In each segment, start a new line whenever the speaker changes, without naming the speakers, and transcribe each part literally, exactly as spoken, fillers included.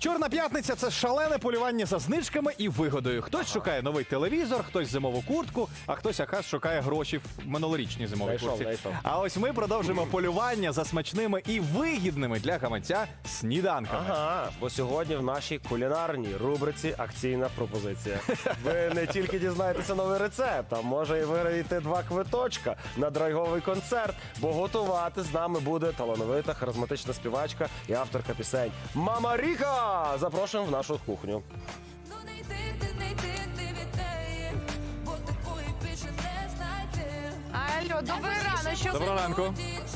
Чорна п'ятниця – це шалене полювання за знижками і вигодою. Хтось шукає новий телевізор, хтось зимову куртку, а хтось якраз шукає гроші в минулорічній зимовій
Знайшов,
куртці.
знайшов.
А ось ми продовжимо полювання за смачними і вигідними для гаманця сніданками.
Ага, бо сьогодні в нашій кулінарній рубриці акційна пропозиція. Ви не тільки дізнаєтеся новий рецепт, а може і виграєте два квиточка на драйвовий концерт, бо готувати з нами буде талановита, харизматична співачка і авторка пісень Мама Ріка! Запрошуємо в нашу кухню.
Ну не йди, ти не йди, ти від неї, бо такої більше не знайти.
Алло, добрий ранок, що
Доброго ранку.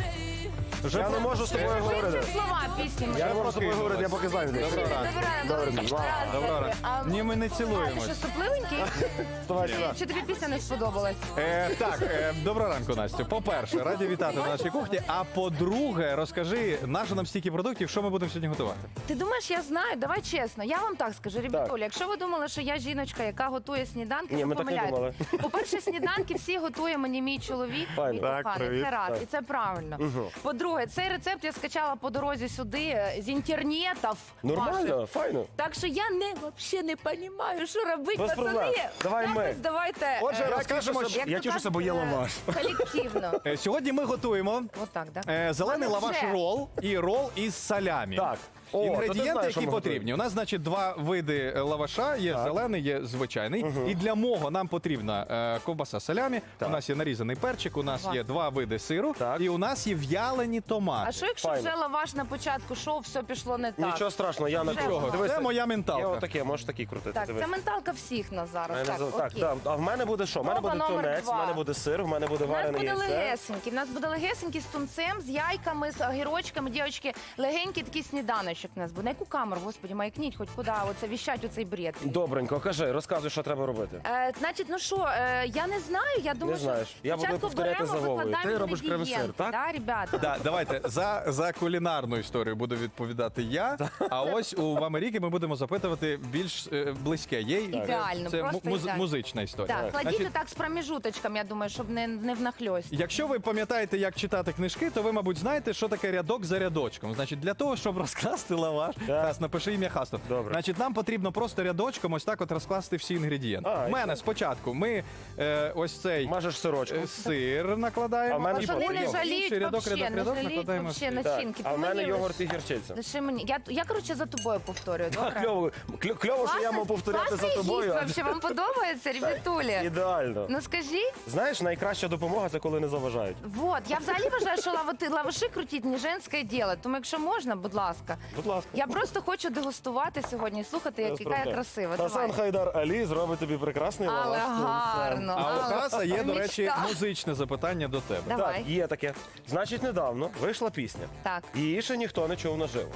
Вже
Я не можу з тобою говорити.
слова пісні?
Я не можу з тобою говорити, я поки зайнятий.
Доброго ранку.
Добрий ранок.
Добрий ранок.
Доброго ранку.
А,
Ні, ми не
А, ти
цілуємось.
що, сопливенький?
Вставай сюди.
Чи тобі пісня не сподобалась?
Е, так, е, доброго ранку, Настю. По-перше, раді вітати на нашій кухні. А по-друге, розкажи, нащо нам стільки продуктів, що ми будемо сьогодні готувати?
Ти думаєш, я знаю? Давай чесно. Я вам так скажу, ребятулі, якщо ви думали, що я жіночка, яка готує сніданки,
Ні,
ви
ми так не
помиляєтесь. По-перше, сніданки всі готує мені мій чоловік,
Файно.
мій
Так,
коханий.
привіт.
Це раз,
Так.
і це правильно. По-друге, цей рецепт я скачала по дорозі сюди е, з інтернетів.
Нормально,
ваших.
файно.
Так що я не взагалі не розумію, що робити,
Без
пацани.
проблем. Давай ми.
Якось давайте.
Отже,
е,
розкажемо,
тішуся,
як
я
то
тішуся,
кажуть,
бо є
е,
лаваш.
Колективно.
Е, Сьогодні ми готуємо
Отак, так?
е, зелений
Мене
лаваш
вже.
рол і рол із салямі.
Так. О, то ти
Інгредієнти,
знаєш, що
які
ми
потрібні. У нас, значить, два види е, лаваша. Є зелений, є звичайний. І для мого нам потрібна е, ковбаса салямі.
Так.
У нас є нарізаний перчик, у нас
Клас.
є два види сиру.
Так.
І у нас є в'ялені томати.
А що якщо
Файно.
вже лаваш на початку шоу, все пішло не так?
Нічого страшного, я на
Нічого.
Дивися,
Це моя
Я
менталка.
отаке, можеш такий крутити.
Так,
дивись.
це менталка всіх нас зараз.
Мене
Так,
за- Так,
окей.
да. А в мене буде що? В мене
Проба
буде
номер
тунець, в
два.
мене буде сир, в мене буде
У нас
варене
буде
яйце.
легесенький. У нас буде легесенький з тунцем, з яйками, з огірочками, дівчатки. Легенький такий сніданочок у нас буде. На яку камеру, господі, маякніть, хоч куди, оце віщать оцей бред.
Добренько, кажи, розказуй, що треба робити.
Е, значить, ну що, е, я не знаю, я думаю,
Не знаєш.
що
Я буду
спочатку
повторяти
беремо,
за Вовою.
викладаємо
Ти робиш
інгредієнти,
крем-сир, так?
Да, ребята?
Да, давайте за, за кулінарну історію буду відповідати я. А ось у Америки ми будемо запитувати більш е, близьке. Є
Ідеально,
це
просто
му- муз-
ідеально.
музична історія.
Так, кладіть
Значить,
так з проміжуточком, я думаю, щоб не, не внахльость.
Якщо ви пам'ятаєте, як читати книжки, то ви, мабуть, знаєте, що таке рядок за рядочком. Значить, для того, щоб розкласти лаваш, Хас, напиши ім'я Хастов.
Добре.
Значить, нам потрібно просто рядочком ось так от розкласти всі інгредієнти.
А,
У мене спочатку ми е, ось цей
Мажеш сирочку.
е, сир накладаємо.
А в мене
і
що,
Вони
потім
не жаліють
інший рядок,
вообще,
рядок,
не
рядок
жаліють
накладаємо.
вообще
сир.
на чинки.
А в мене
Мені
йогурт і
лише-
гірчиця.
лише мені. Я, я, коротше, за тобою повторюю, добре?
Кльово, кльо- кльово, що я мав повторяти за тобою. а-
Вообще, вам подобається, ребятулі?
Ідеально.
Ну скажіть.
Знаєш, найкраща допомога це коли не заважають.
Вот, я взагалі вважаю, що лавати, лаваші крутіть не женське діло. Тому якщо можна, будь ласка.
Будь ласка.
Я просто хочу дегустувати сьогодні і слухати, як, яка я красива.
Хасан
Давай.
Хайдар Алі зробить тобі прекрасний
Але
лаваш. з тунцем.
гарно.
А у
але
Хаса є, до речі,
мечта.
музичне запитання до тебе.
Давай.
Так, є таке. Значить, недавно вийшла пісня.
Так.
Її ще ніхто не чув наживо.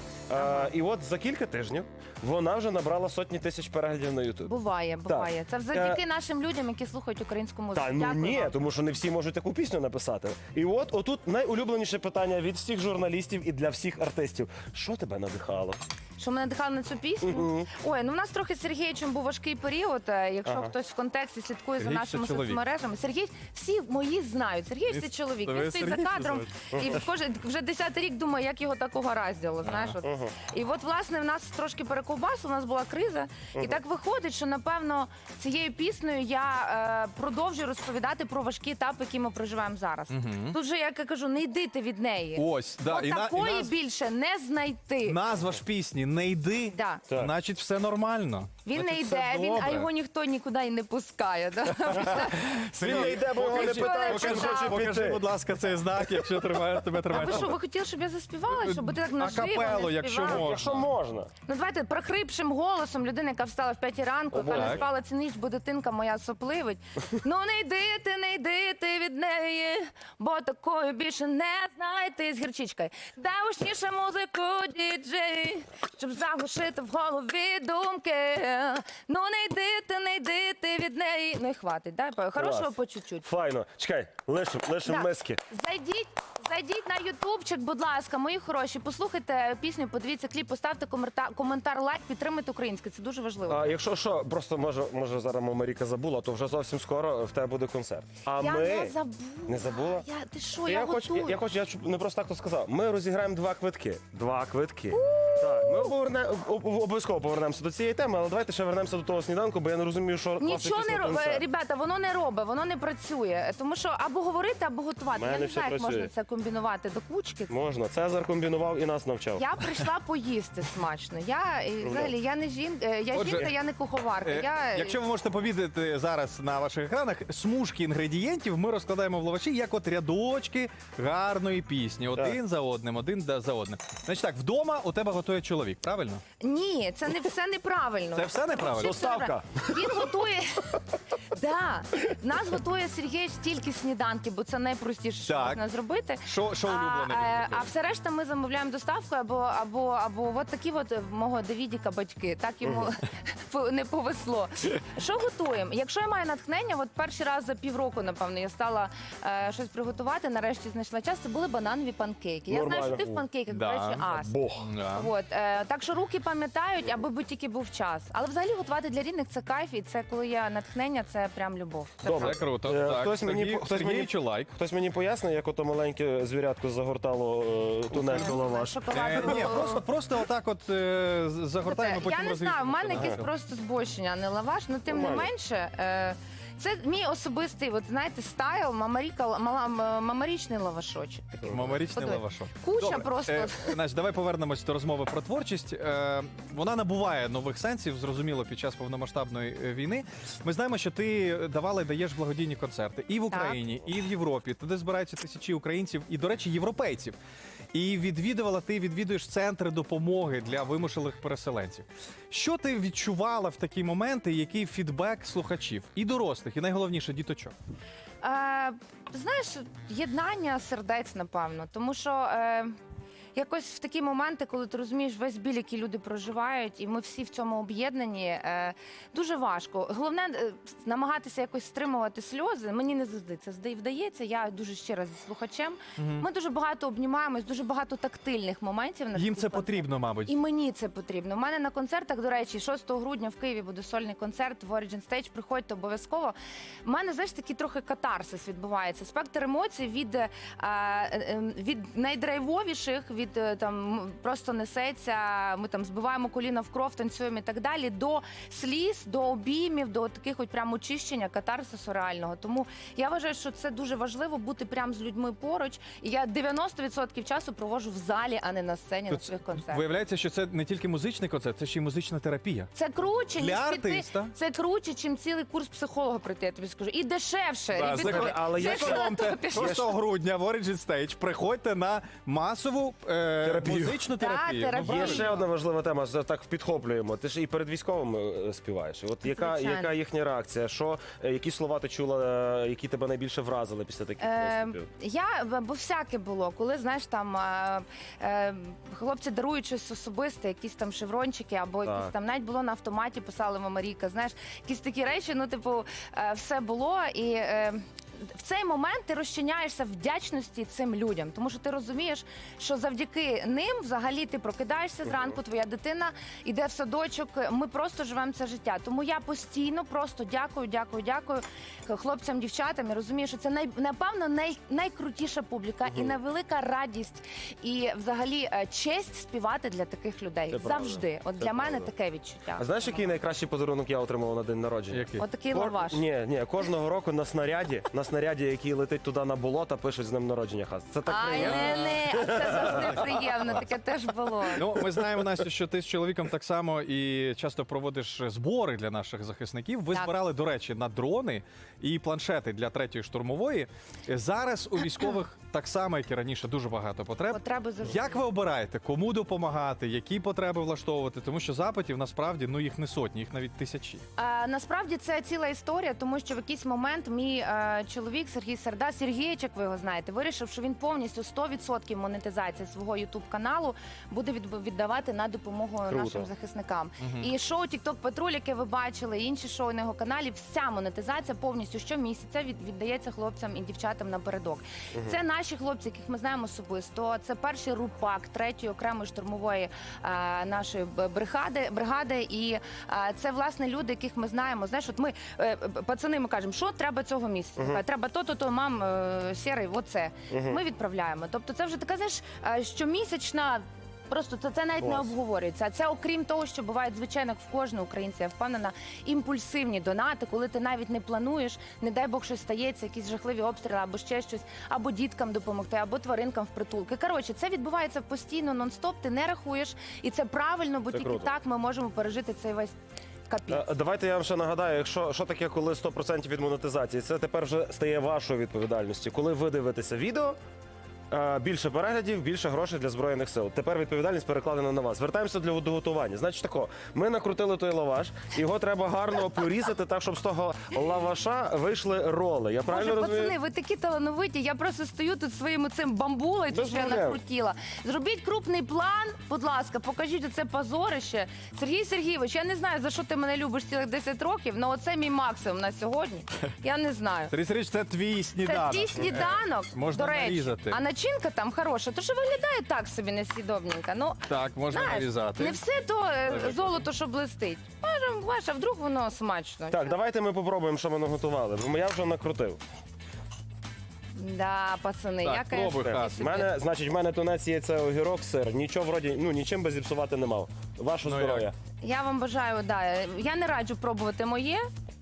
А, і от за кілька тижнів вона вже набрала сотні тисяч переглядів на Ютуб.
Буває, буває. Це завдяки нашим людям, які слухають українську музику.
Та ну
Дякую
ні,
вам.
тому що не всі можуть таку пісню написати. І от отут найулюбленіше питання від всіх журналістів і для всіх артистів. Що тебе надихало?
Що мене надихало на цю пісню? Ой, ну в нас трохи з Сергієчем був важкий період. е, Якщо
Ага.
хтось в контексті слідкує
Сергій
за
це
нашими
чоловік.
соцмережами. Сергій, всі мої знають. Сергій це чоловік.
ви
Він стоїть за
Сергій
кадром і кожен вже десятий рік думає, як його так угораздило. Знаєш, от. І от власне в нас трошки перековбасу, у нас була криза, і так виходить, що напевно цією піснею я е, продовжую розповідати про важкі етапи, які ми проживаємо зараз. Тут же, як я кажу, не йди ти від неї.
Ось, да,
От
і, на, і
такої
наз-
більше не знайти.
назва ж пісні «Не йди»,
Да.
Так.
значить все нормально.
Він
Значить,
не
все
йде, він, а
добре.
його ніхто нікуди і не пускає. Да?
Він не йде, бо його не
Покажи,
питають, чи
покажи,
він хоче
покажи,
піти.
будь ласка, цей знак, якщо тримає, тебе
А
тримає.
ви що, ви хотіли, щоб я заспівала? Щоб ти так наживо
Акапеллу,
не
якщо
співала?
можна.
Якщо можна.
Ну давайте прохрипшим голосом людина, яка встала в п'ятій ранку, яка
Так.
не спала цю ніч, бо дитинка моя сопливить. Ну не йди ти, не йди ти від неї, бо такою більше не знайти з гірчичкою. Дай гучніше музику, діджей, щоб заглушити в голові думки. Ну не йди ти, не йди ти від неї. Ну і хватить, дай по- хорошого
Клас.
по чуть-чуть.
Файно. Чекай, лишим, лишим
Да.
миски.
Зайдіть, Зайдіть на ютубчик, будь ласка, мої хороші, послухайте пісню, подивіться кліп, поставте коментар, коментар, лайк, підтримайте українське. Це дуже важливо.
А якщо що, просто може, може зараз Маріка забула, то вже зовсім скоро в тебе буде концерт. А
я
ми
не забула.
Не забула?
Я, ти що,
я,
я,
хочу,
готую.
я, я хочу, я чу- не просто так то сказав. Ми розіграємо два квитки. Два квитки. Так, ми поверне, об- об- обов'язково повернемоося до цієї теми, але давайте ще вернемося до того сніданку, бо я не розумію, що власне
Нічого
після
не робить,
концерту.
ребята, воно не робить, воно не працює. Тому що або говорити, або готувати.
Мене
Я не
все
знаю, як
працює.
можна це комбінувати до кучки.
Можна. Цезар комбінував і нас навчав.
Я прийшла поїсти смачно. Я і, взагалі я не жінка, я
Отже,
жінка, я не куховарка.
Е,
Я
Якщо ви можете помітити зараз на ваших екранах, смужки інгредієнтів ми розкладаємо в лаваші як от рядочки гарної пісні. Один за одним, один да- за одним. Значить так, вдома у тебе готує чоловік, правильно?
ні, це не все неправильно.
Це все неправильно?
Все неправильно. Він готує. Да, нас готує Сергій стільки сніданків, бо це найпростіше, що
Так.
можна зробити.
Що, що улюблене?
А, е,
від
а все решта ми замовляємо доставкою або або або от такі от в мого Давідіка батьки. Так йому по- не повезло. Що готуємо? Якщо я маю натхнення, от перший раз за півроку, напевно, я стала е, щось приготувати. Нарешті знайшла час. Це були бананові панкейки. Я знаю,
Нормально.
що ти в панкейках, до
Да.
речі, ас.
Бог.
Да.
От, е, так що руки пам'ятають, аби би тільки був час. Але взагалі готувати для рідних це кайф, і це коли є натхнення, це прям любов. Це
Добре.
Це круто.
Е,
Так,
хтось мені
Сергій-
по- хтось мені-
Сергійчу лайк.
Хтось мені пояснить, як ото маленьке звірятко загортало е, тунець у лаваш.
Шоколад.
Е, ні, просто, просто отак от е, з- загортаємо, потім
Я не знаю, в мене
розвішуємо.
якесь просто збочення, а не лаваш, але тим не
Нормально.
менше. Е, це мій особистий, от знаєте, стайл, мамаріка, мала, м- мамарічний лавашочок. Такий.
Мамарічний
Подивись.
лавашок.
Куча
Добре.
просто.
Е, Настя, давай повернемось до розмови про творчість. Е, вона набуває нових сенсів, зрозуміло, під час повномасштабної е, війни. Ми знаємо, що ти давала і даєш благодійні концерти і в Україні, і в Європі. Туди збираються тисячі українців і, до речі, європейців. І відвідувала, ти відвідуєш центри допомоги для вимушених переселенців. Що ти відчувала в такі моменти, який фідбек слухачів і дорослих, і найголовніше діточок?
Е, знаєш, єднання сердець, напевно. Тому що е, якось в такі моменти, коли ти розумієш весь біль, який люди проживають, і ми всі в цьому об'єднані, е, дуже важко. Головне е, намагатися якось стримувати сльози. Мені не завжди це зда- вдається. Я дуже щира зі слухачем. Ми дуже багато обнімаємось, дуже багато тактильних моментів. на
Їм
таких
це
концертах.
потрібно, мабуть.
І мені це потрібно. У мене на концертах, до речі, шостого грудня в Києві буде сольний концерт в Origin Stage. Приходьте обов'язково. У мене, знаєш, такий трохи катарсис відбувається. Спектр емоцій від, е, е, від найдрайвовіших, від е, там м, просто несеться, ми там збиваємо коліна в кров, танцюємо і так далі, до сліз, до обіймів, до таких от прям очищення, катарсису реального. Тому я вважаю, що це дуже важливо бути прям з людьми поруч. І я дев'яносто відсотків часу проводжу в залі, а не на сцені на
Тут
своїх концертах.
Виявляється, що це не тільки музичний концерт, це ще й музична терапія.
Це круче, ніж
Для
піти.
артиста.
Це круче, чим цілий курс психолога прийти, я тобі скажу. І дешевше.
Да,
І
закон-
від-
але
це
є
що
Економте.
на топі?
шостого грудня в Origin Stage приходьте на масову е,
Терапію.
музичну
Так,
терапію. Ну,
терапію.
Є
правильно.
ще одна важлива тема, це так підхоплюємо. Ти ж і перед військовими е, співаєш. От яка,
Звичайно.
яка їхня реакція? Що, е, які слова ти чула, е, які тебе найбільше вразили після таких
Е,
виступів?
я, бо всяке було, коли, знаєш, там е, е, хлопці дарують щось особисте, якісь там шеврончики, або
Так.
якісь там навіть було на автоматі, писали Мамаріка, знаєш, якісь такі речі, ну, типу, е, все було. І е, в цей момент ти розчиняєшся в вдячності цим людям, тому що ти розумієш, що завдяки ним взагалі ти прокидаєшся зранку, твоя дитина йде в садочок, ми просто живемо це життя. Тому я постійно просто дякую, дякую, дякую хлопцям, дівчатам і розумію, що це най, напевно най, найкрутіша публіка і найвелика радість, і взагалі е, честь співати для таких людей.
Це правда.
Завжди. От
Це
для мене
правда.
таке відчуття.
А знаєш, який найкращий подарунок я отримав на день народження?
Який?
Отакий
Кор-
лаваш.
Ні, ні, кожного року на снаряді, на снаряді, який летить туди на болото, пишуть з ним народження хас. Це так
Ай,
приємно.
не, не, а це завжди приємно, таке теж було.
Ну, ми знаємо, Настя, що ти з чоловіком так само і часто проводиш збори для наших захисників. Ви
Так.
збирали, до речі, на дрони і планшети для третьої штурмової. Зараз у військових так само, як і раніше, дуже багато потреб.
Потреби завжди.
Як ви обираєте, кому допомагати, які потреби влаштовувати? Тому що запитів насправді ну їх не сотні, їх навіть тисячі.
Е, насправді це ціла історія, тому що в якийсь момент мій е, чоловік Сергій Серда, Сергійчик, ви його знаєте, вирішив, що він повністю сто відсотків монетизації свого ютуб каналу буде від- віддавати на допомогу
Круто.
нашим захисникам. І шоу Тікток Патруль, яке ви бачили, і інші шоу на його каналі, вся монетизація повністю щомісяця від, віддається хлопцям і дівчатам напередок. Це наші наші хлопці, яких ми знаємо особисто, це перший рупак третьої окремої штурмової е, нашої б- бригади, бригади. І е, це власне люди, яких ми знаємо. Знаєш, от ми е, пацани, ми кажемо, що треба цього місяця. Кажуть, треба то, то, то, мам, е, сірий, оце. Ми відправляємо. Тобто, це вже така, знаєш, е, щомісячна. Просто це, це навіть не
Клас.
обговорюється. А це окрім того, що бувають, звичайно, як в кожного українця, я впевнена, імпульсивні донати, коли ти навіть не плануєш, не дай Бог щось стається, якісь жахливі обстріли або ще щось, або діткам допомогти, або тваринкам в притулки. Коротше, це відбувається постійно, нон-стоп, ти не рахуєш, і це правильно, бо
Це
тільки
круто.
так ми можемо пережити цей весь капець.
Е, Давайте я вам ще нагадаю, якщо що таке, коли сто відсотків від монетизації, це тепер вже стає вашою відповідальністю. Коли ви дивитеся відео, е, більше переглядів, більше грошей для Збройних сил. Тепер відповідальність перекладена на вас. Звертаємося для до готування. Значить тако, ми накрутили той лаваш, його треба гарно порізати так, щоб з того лаваша вийшли роли. Я правильно
Боже,
розумію?
пацани, ви такі талановиті. Я просто стою тут своїм цим бамбулою,
Без
що я
проблем.
накрутила. Зробіть крупний план, будь ласка, покажіть оце позорище. Сергій Сергійович, я не знаю, за що ти мене любиш цілих десять років, але оце мій максимум на сьогодні. Я не знаю.
Сергій Сергійович, це твій
Це
сніданок.
твій сніданок,
Можна
до речі.
нарізати.
А начинка там хороша, то що виглядає так собі несвідомненько. Ну,
Так, можна
знаєш,
нарізати.
не все то е,
Дуже
золото, що блистить. Може, ваше, а вдруг воно смачно.
Так, давайте ми попробуємо, що ми наготували. Бо я вже накрутив.
Да, пацани,
Так,
я,
пробуй,
конечно,
Хас.
В мене, значить, в мене тунець, яйце, огірок, сир. Нічого вроді, ну нічим би зіпсувати не мав. Ваше
Ну,
здоров'я.
Я вам бажаю, да. Я не раджу пробувати моє.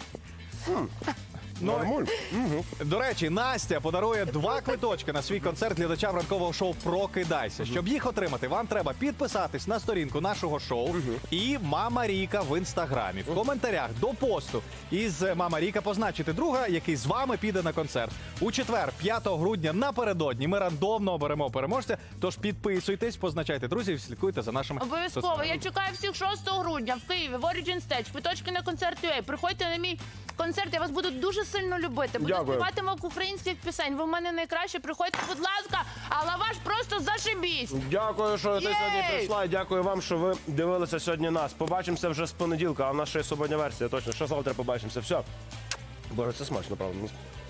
Ну,
Нормуль.
До речі, Настя подарує два квиточки на свій концерт глядачам ранкового шоу Прокидайся. Щоб їх отримати, вам треба підписатись на сторінку нашого шоу і Мама Ріка в інстаграмі. В коментарях до посту із Мама Ріка позначити друга, який з вами піде на концерт. У четвер, п'ятого грудня, напередодні ми рандомно оберемо переможця. Тож підписуйтесь, позначайте друзів, слідкуйте за нашими
Обов'язково.
соцмережами.
Я чекаю всіх шостого грудня в Києві, в Origin Stage, квиточки на концерт ю ей. Приходьте на мій концерт, я вас буду дуже сильно любити. Буду
Дякую.
співати вам українських пісень. Ви в мене найкраще. Приходьте, будь ласка, а лаваш просто зашибісь.
Дякую, що ти
Єй!
сьогодні прийшла. І дякую вам, що ви дивилися сьогодні нас. Побачимося вже з понеділка, а в нас ще є суботня версія. Точно, що завтра побачимося. Все. Боже, це смачно, правда.